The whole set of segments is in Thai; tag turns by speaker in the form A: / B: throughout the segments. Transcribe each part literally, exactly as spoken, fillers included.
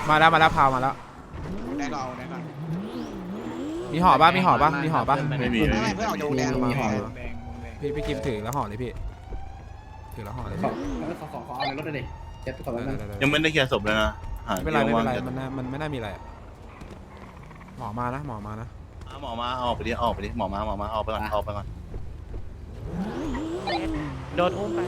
A: มาแล้วมาแล้วพาวมาแล้ว
B: แดงก็เอาแดงก็
A: มีห่อป่ะมีห่อป่ะมีห่อป่ะ
C: ไม่มี
B: ไม่ไม่เพื่อนเอาโยแดงมาแดง
A: พี่พี่คิมถือแล้วห่อเลยพี่ถือแล้วห่อเลย
D: ขอขอขอขอเอาในรถเลยดิเจ็บก่อนแล้วกัน
C: ยังไม่ได้เคลียร์ศพเลยนะหา
A: ไม่เป็นไรไม่เป็นไร
C: ที่
A: มันน่ามันไม่น่ามีอะไรหมอมานะหมอมานะ
C: ว่างหมอมาออกไปดิออกไปดิหมอมาหมอมาออกไปก่อนออกไปก่อน
E: โดนอุ้มไป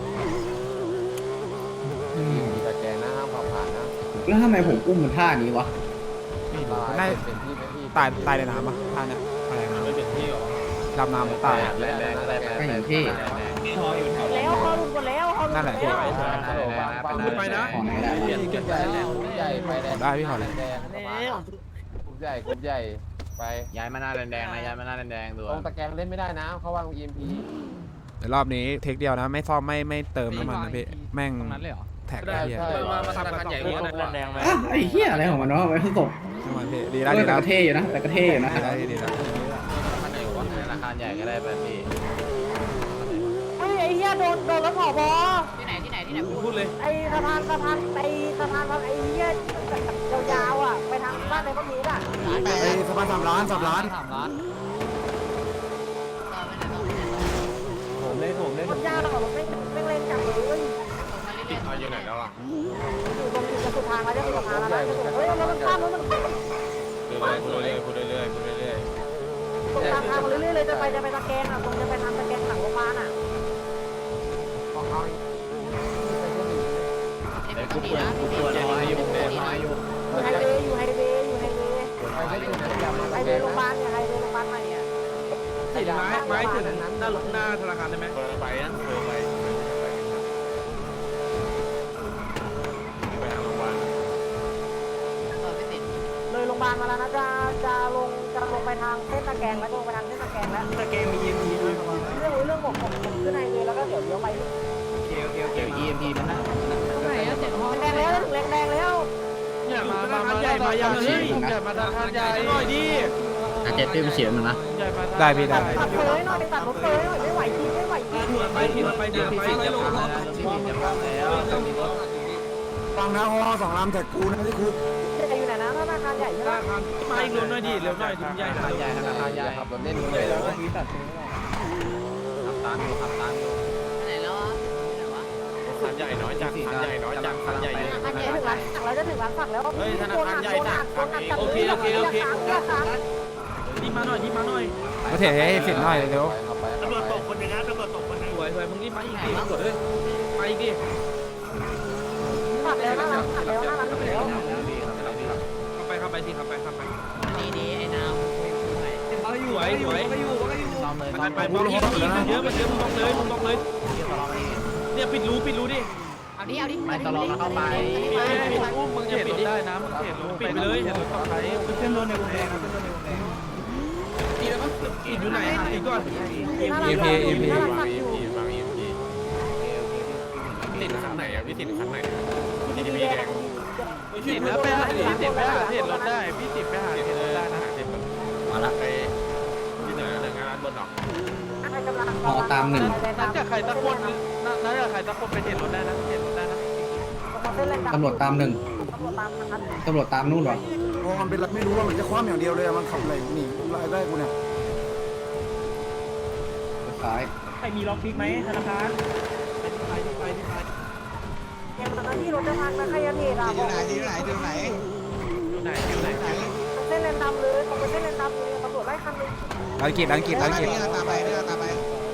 F: มีตะแกรงนะห้ามขับผ่านนะ
D: แล้วทำไมผมอุ้มมันท่านี้วะ
A: ได้
F: เป็นที่เป็นที่
A: ตายตายในน้ำป่ะท่าเนี้ยตายในน้ำ
E: ไม่เป็นที่หรอ
A: ดำน้ำตาย
F: แรงแรงแรง
D: ก็อย่างที่
G: แล้วเขาลุกหมดแล้วเขาลุกหม
A: นั่น
G: ด
A: แหละ
G: แล้
A: พี่
G: ว
E: ไปนะ
D: ขอไหนได้
F: ใหญ่กลุ่มใหญ่กลุ่มใหญ่ไปแดง
A: ได้พี่ห่อเลย
F: แดงกลุ่มใหญ่กลุ่มใหญ่ไป
E: ย้ายมาหน้าแดงๆนะย้ายมาหน้าแดงๆดู
F: ตรงตะแกรงเล่นไม่ได้นะเขาวาง อี เอ็ม พี
A: เดี๋ยวรอบนี้เทคเดียวนะไม่ซ่อมไม่ไม่เติมน้ำมันนะพี่แม่ง
E: ตรงนั้นเลยเหรอ
A: แท็ก
F: ได้
A: ไอ้เหี้ย
F: ใช่
E: มามาทำกันใหญ่กว่าแดงๆไหม
D: อ้าวไอ้เหี้ยอะไรของมันวะไว้ที่ตก
A: น้ำมันพี่ดี
D: เอ
A: แล้ว
D: อ
A: ดี
D: แต่
A: แล้ว
D: กระเทอยู่นะแต่กระเทอยู่นะ
A: ดีแล้วดีแล้ว
E: ธนาคารใหญ่กว่าธนาคารใหญ่ก็ได้แบบนี้
G: เฮ้ยไอ้เหี้ยโดนโดนรถผอบอ
H: ที่ไหนที่ไหนที่ไหน
E: พูดเลย
G: ไอ้สะพานสะพานไอ้สะพานไอ้เหี้ยยาวๆอ่ะไปทางบ้านในบ้านนี้อ่ะ
B: แปด
A: เฮ้ยสบายสามล้านสามล้าน
E: สามล้าน
F: ผมเล่นผมเล่น
G: มันยาวหรอมันไม่ไม่เล่นจังเลย
E: เอาอยู่ไหนแล้วอ่ะ
G: อยู่ตรงจุดสุดทางแล้วจะสุดทางแล้วนะเฮ้ยรถมันข้ามรถมันข้าม
E: พูดเรื่อยๆพูดเรื่อยๆพูดเรื่อย
G: ตรงทางทางมาเรื่อยๆเลยจะไปจะไปตะแกรงอ่ะตรงจะไปทางตะแกรงหลังโรงพยาบาลอ่ะ
F: ของเขา
H: ไอ้กูเปิดกูเปิดน้อยอยู่น้อยอยู่
G: อยู่ไฮเวย์อยู่ไฮเวย์อยู่ไฮเวย์
F: ไปไม่ถึงนะอย่ามา
G: ไฮ
F: ตะ
G: เว
F: แกรง
G: ย์โรงพยาบา
F: นะ
G: ลเนี่ยไฮเวย์โรงพยาบาลใหม่อ่ะ
E: ติดไม้ไม้ถึงหน้าหน้าธนาคารได้ไหมเปิดไปนะเปิดไปไปทางโรงพยาบาล
H: เปิดไม่ติด
G: เลยโรงพยาบาลมาแล้วนะจะจะลงจะลงไปทางเส้นตะแกรงแล้วลงไปทางเส้นตะแกรงแล้ว
E: ตะเกงมี อี เอ็ม พี ด้วยประมาณ
G: เรื่องเรื่องผมผมผมขึ้นไฮเวย์แล้วก็เดี๋ยวเลี้ยวไป
E: โอเคโอเคโอเค อี เอ็ม พี มันนะ
H: ตรงไหนอะเจ็ดห้อง
G: แดงแล้วแดงแดงแล้ว
E: เนี่ยมามามาใหญ่มาอย่างนี้ใหญ่มาธนาคารใหญ่หน่อยดิ
B: อาจจะตื้มเสียงนะ
E: ใหญ่มา
A: ได้พี่ได้
G: ตัดเฟยหน่อยตัดรถเฟยหน่อยไม่ไหวจริงไม่ไหวจริง
E: ไปที่ไปเดี๋ยวไปไม่ลงรถที่จะพังแล้วจะมีรถ
A: ฟังนะฮอสองลำแท็กกูนะที่คุก
G: จะอยู่ไหนนะธนาคารใหญ่ใช่ไหม
E: ธนาคารมาอีกรถหน่อยดิเร็วหน่อยถึงใหญ่
F: ธนาคารใหญ่ธนาคารใหญ่ขับรถเล่นเลยแล้วก็มีตัด
E: ขับตามอยู่ขับตามอยู่
H: ไหนแล้วอะไหนวะ
E: คันใหญ่น้อยจังคันใหญ่น้อยจังคันใหญ่เยอะ
G: จะถึงร้านสั่งแล้วจะถึงร้านสั่งแล้ว
E: เฮ้ยธนาคารใหญ่จังโอเคโอเคโอเคนี่มาหน่อยนี่มาหน่อย
A: มาเทให้สินหน่อยเร็ว
F: ขับไป
E: ตำรวจตกคนนึงนะตำรวจตกคนนึงสวยสวยมึงนี่มาอีกดิตำรวจเอ้ยมาอีกดิ
G: ขับแล้วน่ารักขับแล้วน่ารักแล้ว
E: เข้าไปเข้าไปสิเข้าไปเข้าไป
H: นี่นี่ไอ้นาว
E: สวยสวยไปอยู่ไปอยู่มันไปมองอีกอีกมันเยอะมันเยอะมึงมองเลยมึงมองเลยเนี่ยปิดรูปิดรูดิ
H: เอาดิเอาดิ
E: ไม่ตลอดเข้าไปปิดอุ้มมึงจะปิดได้นะมึงเห็นรูปิดไปเลยเห็นรถไฟเส้นรถในวงแดงเส้นรถในวงแดงปิดแล้วมั้งปิดอยู่ไหนปิดก่อน
G: น่ารักน่ารักอยู่
E: ติดคันไหนอ่ะพี่ติดคันไหนพี่ติดแดงติดแล้วไปหาพี่ติดไปหาเห็นรถได้พี่ติดไปหาเห็นรถได้นะติดมาละไปที่เหนือเหนืองานบนหนอง น่าจะใครสักคนน่าจะใครสักคนไปเห็นรถได้นะเห็นรถได้นะ
D: ตำรวจตามหนึ่ง
G: ตำรวจตามนะครับ
D: ตำรวจตามนู่นวะ
A: โอ้มันเป็นไม่รู้ว่ามันจะคว้าอย่างเดียวเลยมันขับอะไรหนีไล่ได้กูเนี่ย
D: ซ้าย
E: ใครมีล็อกพิกไหมธนาคารไปที่ไปที่ไป
G: อย่างตอนนั้นที่รถจะพังนะใครจะเทอ่ะ
B: ที่ไหนที่ไหนที่ไหน
E: อยู่ไหนอยู่ไหน
G: เส้นเลนดำเลยตรงไปเส้นเลนดำเลยตำรวจไล่คันนึง
A: ร้านกิจร้านกิจร้านกิจ
B: นี่เราตามไปนี่เราตามไป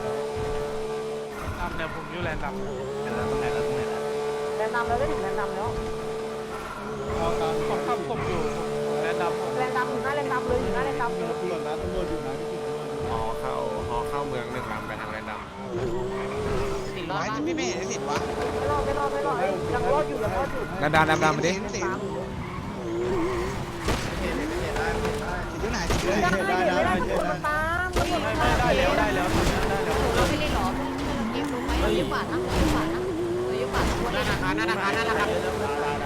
E: ตามแนวผมอยู่แลนด์ดำ
G: เลนดำแล้วได้ถึงเลนดำแล้ว
E: ผมขับผมอยู่แลนด์ดำ
G: เลนดำอยู่หน้าเลนดำเลยอยู่หน้าเลนดำเลย
E: ฮอเข้าฮอเข้าเมืองหนึ่งลำไปทางแลนด์ดำ
H: ติดรอ
B: ไว้
H: บบ้าน
B: พี่ไม่เห็นสิทธิ์วะ
G: ไม่รอดไม่รอดไม่รอดยังรอดอยู่ยังรอดอยู่
A: ดำดำดำดำมาดิ
B: สิทธิ์สิทธิ์อยู่ไหนสิทธิ์อยู่
G: ได้
B: ไหน
G: ได้ได้มันตามมันตาม
E: ได้แล้วได้แล้วได้แล้ว
H: เราไม่เล่นหรอเกมรู้ไหมเราเยอะกว่านะเยอะกว่านะเราเยอะกว่าคน
E: ธนาคารธนาคารธนาคารได้ได้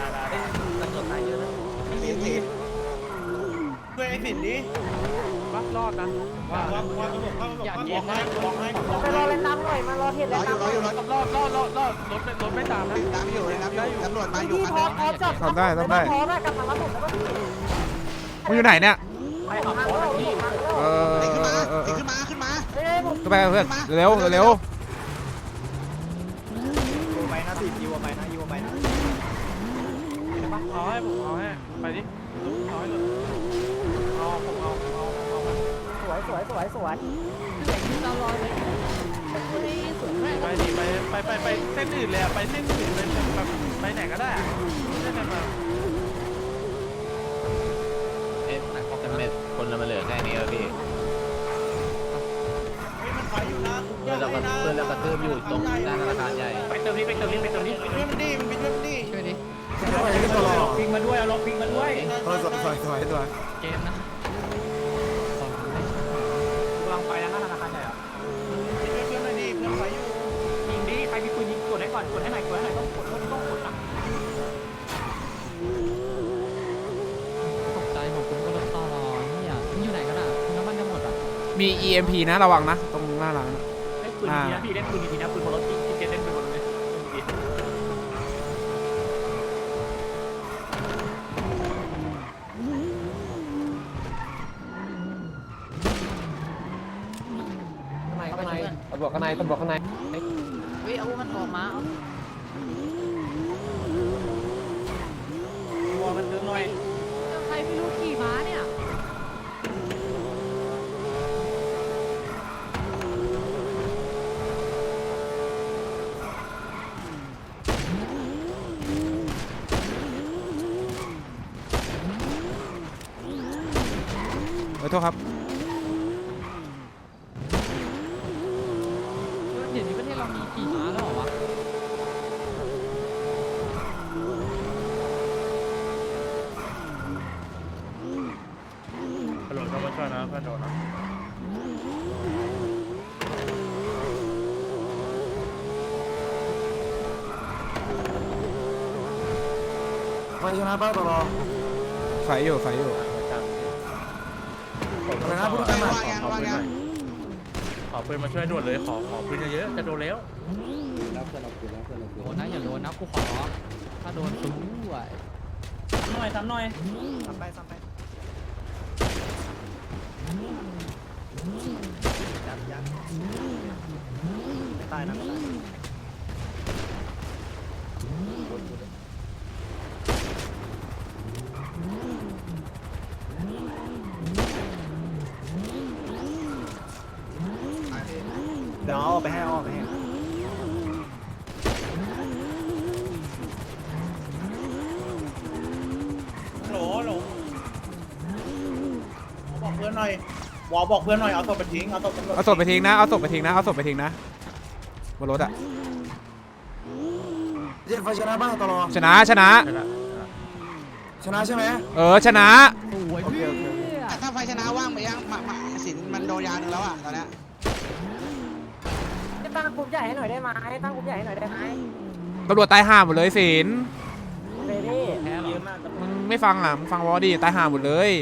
E: ได้
B: สิทธิ์สิทธิ์
E: ด้วยไอ้สินนี้ปะรอดนะว่าอย่าเย็นนะ
G: ไปรอเล่นน้ำหน่อยมารอเทียน
B: ร
G: เล่
B: อน อยู่รออยู่รอ
E: รอดรอดรอดรอดรถรถไม่ตามนะ
B: น้ำอยู่เลยน้ำอยู่ตำรวจมาอยู่
G: พี่
B: คัน
G: พอ
B: นึง
G: พอจับ
A: ทำได้ทำได้
G: พอได้กลับมารับผมแล้วก็พี่
A: มึงอยู่ไหนเนี่ย
G: ไปของทางแล้วพี่
A: เออ
B: ตี
A: เอ
B: ขึ้น
A: อ
B: มา
A: เออเออ
B: ตีขึ้นมาขึ้นมา
G: เฮ้ยผม
A: ก็ไปเพื่อนเร็วเร็ว
F: ยูไปนะสิยูไปนะยูไปนะ
E: เอาให้ผมเอาให้ไปดิเอาให้เลยเอาผมเอาเอาเอา
G: สวยสวยสวยสวย
H: เรารอเลยเฮ้ยสวยมาก
E: ไปดิไปไปไปไปเส้นอื่นเลยไปเส้นอื่นไปแบบไปไหนก็ได้เส้นไหนมา
F: เอ๊ะหนักจะเม็ดคนละมาเหลือแค่นี้แล้วพี่เพื่อนเราก็เพื่อนเรากระทืบอยู่ตรงด้านธนาคารใหญ่ไปเติมนี้ไปเติมนี้ไปเติมนี้ไปเติมนี้
H: ช่วยดิ
F: พิงมาด้วยเอาล็อกพิงมาด้วย
A: เออสวยสวยสวยสวย
H: เกมนะ
F: กำลังไปนะธนาคารใหญ่อะยิงดิใครมีปืนยิงกดให้ก่อนกดให้หน่อยกดให้หน่อยต้องกดต้องต้องกดนะ
H: ตกใจผมคุณก็รถต่อรอเนี่ยมันอยู่ไหนกันอ่ะน้ำมันจะหมดอ่ะ
A: มี อี เอ็ม พี นะระวังนะตรงหน้าร้าน
F: เล่นปืนดีนะพี่เล่นปืนดีนะปืนบนรถที่ที่เล่นปืนบนรถเลย
H: ข้างใน
F: ตำรวจข้างในตำรวจข้างใน
H: เฮ้ยเอามันออกมาเอา
F: ตัวมันเดินหน่อย
H: ใครไม่รู้ขี่ม้าเนี่ย
A: ขอโทษครับ
H: เดี๋ยวนี้ประเทศเรามีขี่ม้าแล้วเหรอวะ
E: ตำรวจเข้ามาช่วยนะเพื่อนโดนนะ
C: ไฟชนะป้าตลอด
A: ไฟอยู่ไฟอยู่
C: อะไรนะพูดกันมา
B: วางยังวางยัง
E: ขอปืนมาช่วยด่วนเลยขอขอปืนเยอะๆจะโดนแล้ว
D: แล้วเพื่อนเราคือแล้วเพื่อนเราคือ
H: โดนนะอย่าโดนนะกูขอถ้าโดนสู้ด้วย
F: หน่อยทำหน่อย
B: ซ้ำไปซ้ำไปยัดยัดไม่ตายนะไม่ตายเดี๋ยวเอาไปให้เอาไปให้โหลโหลบอกเพื่อนหน่อยวอบอกเพื่อนหน่อยเอาศพไปทิ้งเอาศพ
A: เอาศพไปทิ้งนะเอาศพไปทิ้งนะเอาศพไปทิ้งนะบนรถอะ
C: เจ็ดไฟชนะป้าตลอด
A: ชนะชนะ
E: ใช่ละ
C: ชนะใช่ไหม
A: เออชนะ
H: สวยพี่
B: ถ้าไฟชนะว่างไปยังมามาสินมันโดนยาหนึ่งแล้วอ่ะตอนเนี้ย
G: ตั้งกลุ่มใหญ่ให้หน่อยได้ไหมตั้งกลุ่มใหญ่ให้หน่อยได้ไหม
A: ตำรวจตายห่าหมดเลยสิน
G: เบบี้
H: แพ้หรอ
A: มึงไม่ฟังอ่ะมึงฟังวอดีตายห่าหมดเลย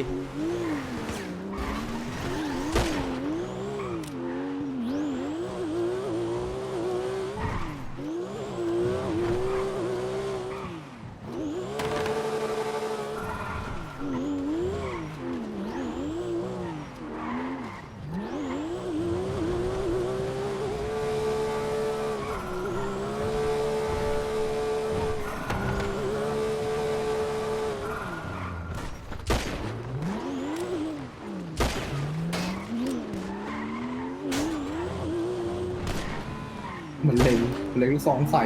D: เหมือนเล็งเล็งลูกซองใส่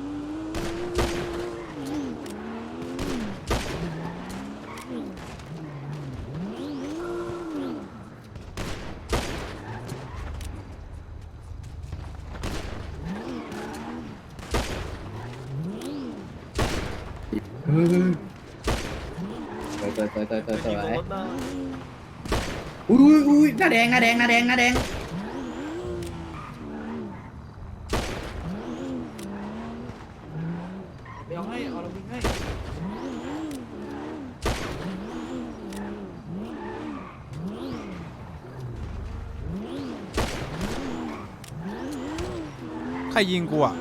D: เฮ้ยเตยเตยเตยเตยเตยเตยอุ้ยอุ้ยหน้าแดงหน้าแดงหน้าแดงหน้าแดง
E: เดี๋ยวให้เอาเราวิ่งให้
A: ใครยิงกูอ่ะ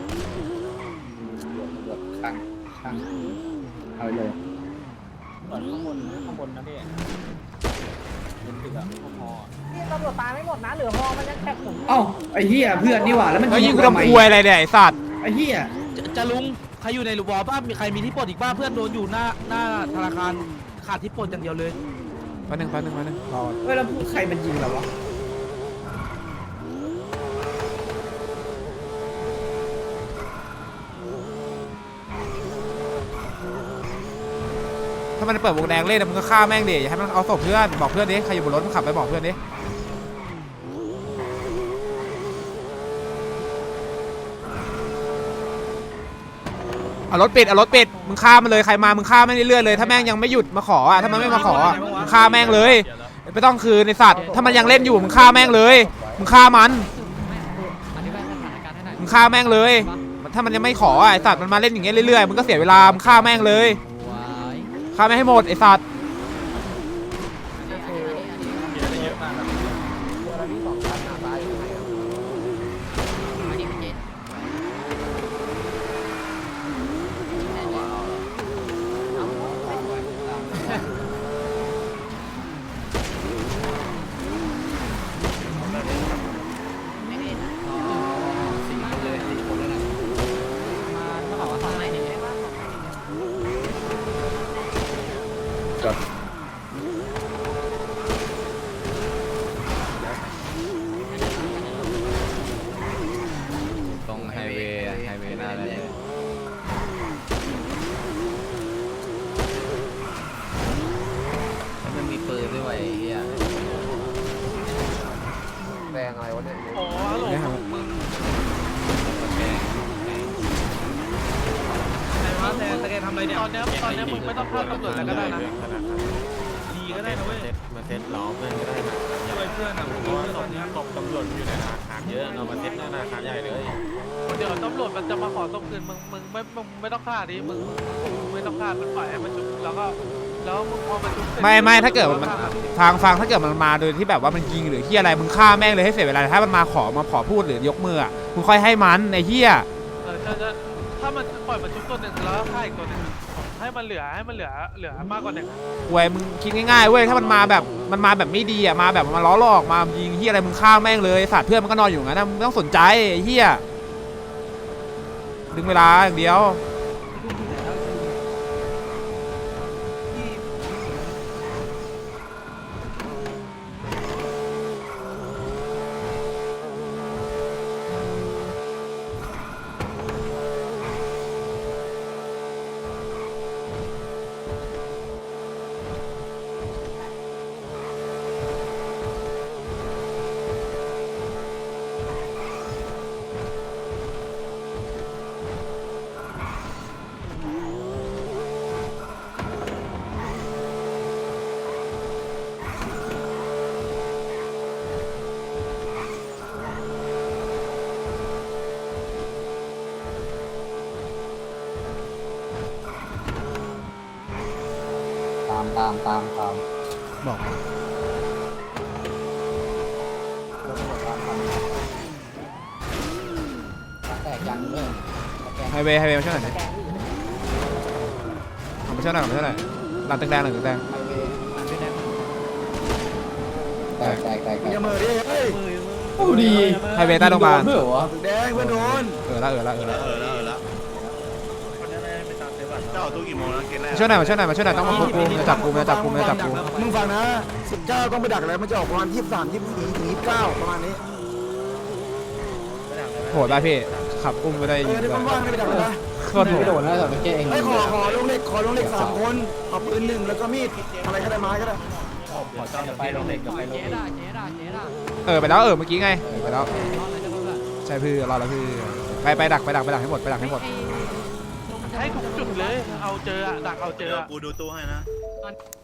D: ข้างข้างเอาไปเลย
F: ก่อนข้างบนข้างบนนะพี่บนตึกอะพอ
G: นี่ตำรวจตายไม่หมดนะเหลือฮอมันยังแคบผม
D: เอ้าไอ้เหี้ยเพื่อนนี่หว่าแล้วมัน
A: แล้วยิงกู
D: ทำไม
A: ทำควยอะไรเนี่ยไอ้สัตว์
D: ไอ้เหี้ย
F: จะลุงใครอยู่ในหลุมบ่อป้ามีใครมีที่ปลดอีกบ้าเพื่อนโดนอยู่หน้าหน้าธนาคารขาดที่ปลดอย่างเดียวเลย
A: แป๊บนึงแป๊บนึงแป๊บนึงรอ
D: เฮ้ยแล้วใครมันยิงเราวะ
A: ถ้ามันเปิดวงแดงเล่นมึงก็ฆ่าแม่งดิอย่าให้มันเอาศพเพื่อนบอกเพื่อนดิใครอยู่บนรถมึงขับไปบอกเพื่อนดิเอารถปิดเอารถปิดมึงฆ่ามันเลยใครมามึงฆ่าแม่งเรื่อยๆเลยถ้าแม่งยังไม่หยุดมาขออ่ะถ้ามันไม่มาขออ่ะมึงฆ่าแม่งเลยไม่ต้องคืนในสัตว์ถ้ามันยังเล่นอยู่มึงฆ่าแม่งเลยมึงฆ่ามัน
H: อธิบายสถานการณ์ให้หน่อย
A: มึงฆ่าแม่งเลยถ้ามันยังไม่ขออ่ะไอสัตว์มันมาเล่นอย่างเงี้ยเรื่อยๆมึงก็เสียเวลามึงฆ่าแม่งเลย
H: ว้าย
A: ฆ่าแม่งให้หมดไอสัตว์
E: เยอะมากครับ
H: มาเขาบอกว่าทำอะไรเนี่ย
E: ตรงไฮเวย์ไฮเวย์หน้าเลยมันมีปืนด้วยไอ้เหี้ย
F: แดงอะไรวะเนี่ย
E: โอ้โห
A: เนี่ยครับ
E: มึงแกไหนวะแซนแกทำอะไรเนี่ยตอนนี้ตอนนี้มึงไม่ต้องเข้าตำรวจแล้วก็ได้นะดีก็ได้นะเว้ยมาเซ็ตล้อเพื่อนก็ได้นะช่วยเพื่อนนะเพราะว่าตอนนี้ตบตำรวจอยู่ในธนาคารเยอะเรามาเซ็ตหน้าธนาคารใหญ่เลยเดี๋ยวตำรวจมันจะมาขอตบคืนมึงมึงไม่มึงไม่ต้องฆ่าดิมึงมึงไม่ต้องฆ่ามันปล่อยให้มันชุบแล้วก็แล้วมึงพอมันชุบเสร็จ
A: ไม่ไม่ถ้าเกิดมันฟังฟังถ้าเกิดมันมาโดยที่แบบว่ามันยิงหรือที่อะไรมึงฆ่าแม่งเลยให้เสียเวลาถ้ามันมาขอมาขอพูดหรือยกมืออ่ะมึงค่อยให้มันไอ้เหี้ย
E: เออจะจะถ้ามันปล่อยมันชุบตัวหนึ่งแล้วฆ่าอีกตัวหนึ่งให้มันเหลือให้มันเหลือเหลือมากกว่าหนึ่ง
A: เว้ยมึงคิดง่ายๆเว้ยถ้ามันมาแบบมันมาแบบไม่ดีอ่ะมาแบบมาล้อหลอกมายิงเหี้ยอะไรมึงฆ่าแม่งเลยสัตว์เพื่อนมันก็นอนอยู่งั้นนะมึงไม่ต้องสนใจไอ้เหี้ยดึงเวลาอย่างเดียว
D: ตามตามตามตาม
A: บอก
D: แตกยังเลย
A: ไฮเวย์ไฮเวย์มาช่วยหน่อยดิเอามาช่วยหน่อยเอามาช่วยหน่อยหลังตึกแดงหลังตึกแดง
D: แตกแตกแตกแตก
F: อย่ามือดิเฮ้ย
D: โอ้ดี
A: ไฮเวย์ใต้โรงพยาบาล
D: เพื่อวะ
F: แดงเพื่อนโดน
A: เออละเออละเออละ
C: เออแล้วเออแล้วเจ้าตู้กี่โมงแล้วเกณฑ์แรก
A: มาช่วยหน่อยมาช่วยหน่อยมาช่วยหน่อยต้องมาควบคุมจะจับกูจะจับกูจะจับกู
F: มึงฟังนะสิบเก้าต้องไปดักอะไรมันจะออกประมาณยี่สิบสามยี่สิบสี่ถึงยี่สิบเก้าประมาณนี้
A: โหดป่ะพี่ขับอุ้มไม่ได้
F: เอ
A: ยิ
F: อง ที่
A: เลย
F: ว่างๆไม่ไปดักอะไรนะ
A: โคตรโห
D: ไม่
A: ด
D: โดนแล้วแต่ไม่แก้เอง
F: ไอ้ขอขอลงเหล็กขอลงเหล็กสามคนขอปืนหนึ่งแล้วก็มีดอะไรก็ได้ไม้ก็ได้
D: ไปลงเหล็กกับไปลง
H: เจ๊
D: เหล็ก
H: ด่าเจ๊ด่าเจ๊ด่า
A: เออไปแล้วเออเมื่อกี้ไงไปแล้ว
H: รอดเลยจะรู้ละ
A: ใช่พี่รอแล้วพี่ไปไปดักไปดักไปดักให้หมดไปดักให้หมด
E: ให้ทุกจุดเลยเอาเจออะดักเอาเจ
C: เดี๋
E: อ
C: ยว
E: อะ
C: กูดูตู้ให้นะ
H: ไอ้